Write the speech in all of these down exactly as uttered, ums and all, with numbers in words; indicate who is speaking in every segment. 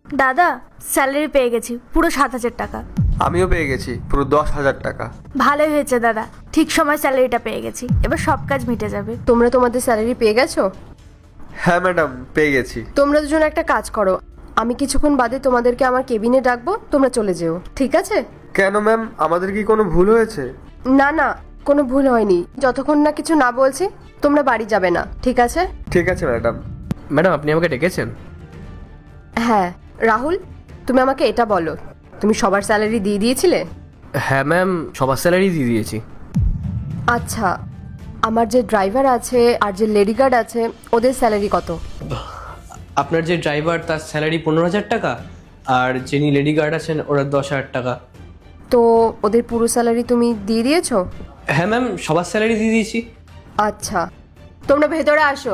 Speaker 1: দাদা স্যালারি পেয়ে গেছি পুরো সাত হাজার টাকা।
Speaker 2: আমিও পেয়ে গেছি পুরো দশ হাজার টাকা।
Speaker 1: ভালোই হয়েছে দাদা, ঠিক সময় স্যালারিটা পেয়ে গেছি, এবার সব কাজ মিটে যাবে।
Speaker 3: তোমরা তোমাদের স্যালারি পেয়ে গেছো?
Speaker 2: হ্যাঁ ম্যাডাম, পেয়ে গেছি।
Speaker 3: তোমরা দুজন একটা কাজ করো, আমি কিছুক্ষণ বাদে তোমাদেরকে আমার কেবিনে ডাকবো, তোমরা চলে যেও, ঠিক আছে?
Speaker 2: কেন ম্যাম, আমাদের কি কোনো ভুল হয়েছে?
Speaker 3: না না, কোনো ভুল হয়নি। যতক্ষণ না কিছু না বলছি তোমরা বাড়ি যাবে না, ঠিক আছে?
Speaker 2: ঠিক আছে ম্যাডাম।
Speaker 4: ম্যাডাম আপনি আমাকে ডেকেছেন?
Speaker 3: হ্যাঁ রাহুল, তুমি আমাকে এটা বলো, তুমি সবার স্যালারি দিয়ে দিয়েছিলে?
Speaker 4: হ্যাঁ ম্যাম, সবার স্যালারি দিয়ে দিয়েছি।
Speaker 3: আচ্ছা, আমার যে ড্রাইভার আছে আর যে লেডি গার্ড আছে ওদের স্যালারি কত?
Speaker 4: আপনার যে ড্রাইভার তার স্যালারি পনেরো হাজার টাকা, আর যিনি লেডি গার্ড আছেন ওরা দশ হাজার টাকা।
Speaker 3: তো ওদের পুরো স্যালারি তুমি দিয়ে দিয়েছো?
Speaker 4: হ্যাঁ ম্যাম, সবার স্যালারি দিয়ে দিয়েছি।
Speaker 3: আচ্ছা, তোমরা ভেতরে আসো।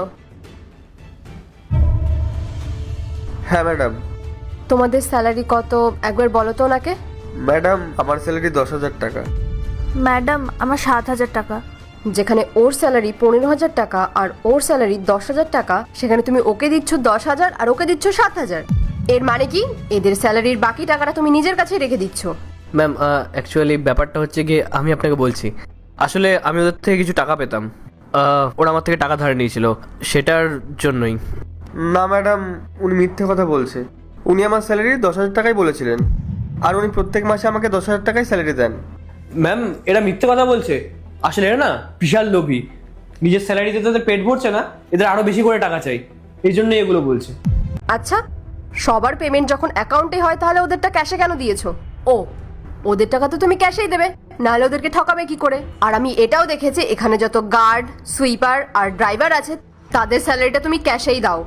Speaker 2: হ্যাঁ ম্যাডাম।
Speaker 3: তোমাদের স্যালারি কত একবার বলো তো ওনাকে।
Speaker 2: ম্যাডাম আমার স্যালারি দশ হাজার টাকা।
Speaker 1: ম্যাডাম আমার সাত হাজার টাকা।
Speaker 3: যেখানে ওর স্যালারি পনেরো হাজার টাকা আর ওর স্যালারি দশ হাজার টাকা, সেখানে তুমি ওকে দিচ্ছ দশ হাজার আর ওকে দিচ্ছ সাত হাজার। এর মানে কি এদের স্যালারির বাকি টাকাটা তুমি নিজের কাছেই রেখে দিচ্ছ?
Speaker 4: ম্যাম অ্যাকচুয়ালি ব্যাপারটা হচ্ছে গিয়ে আমি আপনাকে বলছি, আসলে আমি ওদের থেকে কিছু টাকা পেতাম, আহ, ওরা আমার থেকে টাকা ধার নিয়েছিল, সেটার জন্যই।
Speaker 2: না ম্যাডাম, উনি মিথ্যে কথা বলছে। উনি আমার স্যালারি দশ হাজার টাকাই বলেছিলেন, আর উনি প্রত্যেক মাসে আমাকে দশ হাজার টাকাই স্যালারি দেন।
Speaker 4: ম্যাম এরা মিথ্যে কথা বলছে, আসলে এরা না বিশাল লোভী, নিজের স্যালারিতে তাদের পেট ভরছে না, এদের আরো বেশি করে টাকা চাই, এই জন্যই এগুলো বলছে।
Speaker 3: আচ্ছা, সবার পেমেন্ট যখন অ্যাকাউন্টে হয় তাহলে ওদেরটা ক্যাশে কেন দিয়েছো? ও, ওদের টাকা তো তুমি ক্যাশেই দেবে, নাহলে ওদেরকে ঠকাবে কি করে? আর আমি এটাও দেখেছি এখানে যত গার্ড, সুইপার আর ড্রাইভার আছে তাদের স্যালারিটা তুমি ক্যাশেই দাও।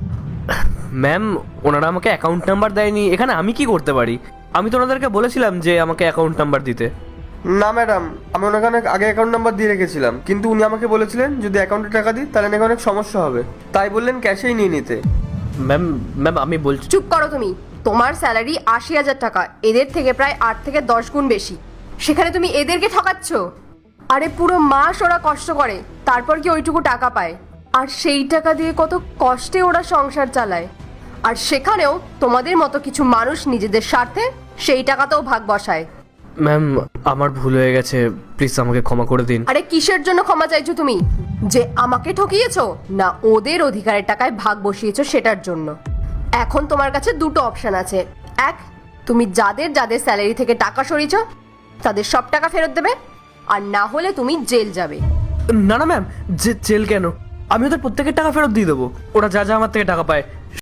Speaker 4: ম্যাম ওনারা আমাকে অ্যাকাউন্ট নাম্বার দেয়নি, এখানে আমি কি করতে পারি? আমি তো ওনাদেরকে বলেছিলাম যে আমাকে অ্যাকাউন্ট নাম্বার দিতে।
Speaker 2: না ম্যাডাম, আমি ওনাকে অনেক আগে অ্যাকাউন্ট নাম্বার দিয়ে রেখেছিলাম, কিন্তু উনি আমাকে বলেছিলেন যদি অ্যাকাউন্টে টাকা দিই তাহলে নাকি অনেক সমস্যা হবে, তাই বললেন ক্যাশেই নিয়ে নিতে।
Speaker 4: ম্যাম ম্যাম আমি বলছি।
Speaker 3: চুপ করো তুমি। তোমার স্যালারি আশি হাজার টাকা, এদের থেকে প্রায় আট থেকে দশ গুণ বেশি, সেখানে তুমি এদেরকে ঠকাচ্ছ। আরে পুরো মাস ওরা কষ্ট করে, তারপর কি ওইটুকু টাকা পায়, আর সেই টাকা দিয়ে কত কষ্টে ওরা সংসার চালায়, আর সেখানেও তোমাদের মতো কিছু মানুষ নিজেদের স্বার্থে সেই টাকাতেও ভাগ বসায়।
Speaker 4: ম্যাম আমার ভুল হয়ে গেছে, প্লিজ আমাকে ক্ষমা করে দিন।
Speaker 3: আরে কিসের জন্য ক্ষমা চাইছো তুমি? যে আমাকে ঠকিয়েছো, না ওদের অধিকারের টাকায় ভাগ বসিয়েছো সেটার জন্য? এখন তোমার কাছে দুটো অপশন আছে। এক, তুমি যাদের যাদের স্যালারি থেকে টাকা সরিয়েছো তাদের সব টাকা ফেরত দেবে, আর না হলে তুমি জেল যাবে।
Speaker 4: না না ম্যাম, জেল কেন? আমি ওদের প্রত্যেকের টাকা ফেরত দিয়ে দেবো, ওরা যা যা আমার থেকে টাকা পায়